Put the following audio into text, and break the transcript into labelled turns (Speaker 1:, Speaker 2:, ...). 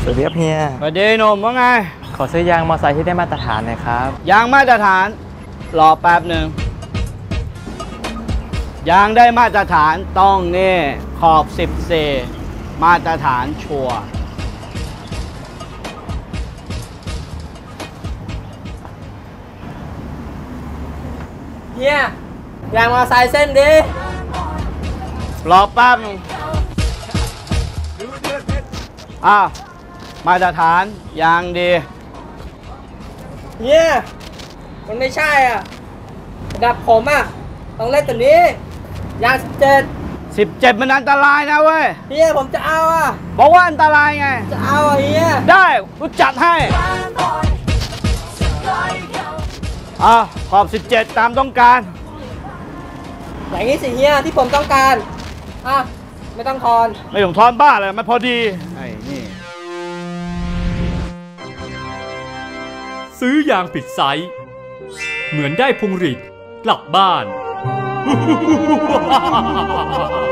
Speaker 1: สวัสดีครับเฮีย
Speaker 2: สวัสดีหนุ่มว่าไง
Speaker 1: ขอซื้อยางมอเตอร์ไซค์ที่ได้มาตรฐานหน่อยครับ
Speaker 2: ยางมาตรฐานรอแป๊บหนึ่งยางได้มาตรฐานต้องนี่ขอบ10 เซมาตรฐานชัวร์
Speaker 3: เฮียยางมอเตอร์ไซค์เส้นดิ
Speaker 2: รอแป๊บนึงมาตรฐานยางดี
Speaker 3: เฮียมันไม่ใช่อ่ะระดับผมอ่ะต้องเล่นตัวนี้ยาง17
Speaker 2: มันอันตรายนะเว้ย
Speaker 3: เฮียผมจะเอาอ่ะ
Speaker 2: บอกว่าอันตรายไง
Speaker 3: จะเอาอ่ะเฮีย
Speaker 2: ได้กูจัดให้ขอบ17ตามต้องการ
Speaker 3: อย่างนี้สิเฮียที่ผมต้องการไม่ต้องทอน
Speaker 2: ไม่ต้องทอนบ้าเลยมันพอดีไอ้นี่
Speaker 4: ซื้อยางผิดไซส์เหมือนได้พวงหรีดกลับบ้าน